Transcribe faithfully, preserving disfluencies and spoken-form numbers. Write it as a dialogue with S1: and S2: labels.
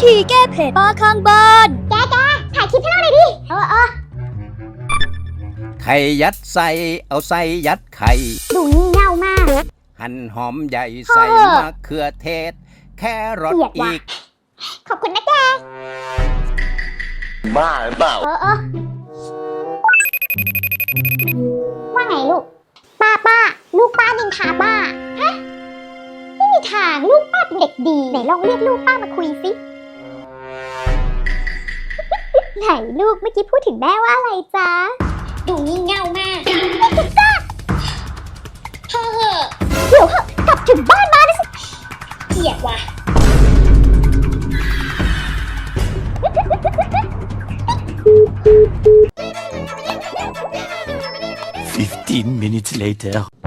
S1: ธีแก้เผ็ดป้าข้างบ้าน
S2: แกแกถ่ายคลิปให้เราหน่อยดิเออเออ
S3: ไข่ยัดใส่เอาใส่ยัดไข่
S2: ดูงี่เง่ามาก
S3: หั่นหอมใหญ่ใส่มะเขือเทศแครอทอีก
S2: ขอบคุณนะแก
S3: บ้าหรือเปล่า
S2: เออเออว่าไงลูกป้าป้าลูกป้านินทาป้าฮะไม่มีทางลูกป้าเป็นเด็กดีไหนลองเรียกลูกป้ามาคุยสิไหนลูกเมื่อกี้พูดถึงแม่ว่าอะไรจ๊ะดูงี่เง่ามากไม่ถูกจ้าเธอเหอะเดี๋ยวเหอะกลับถึงบ้านมานะสิเกลียดว่ะ
S4: Fifteen minutes later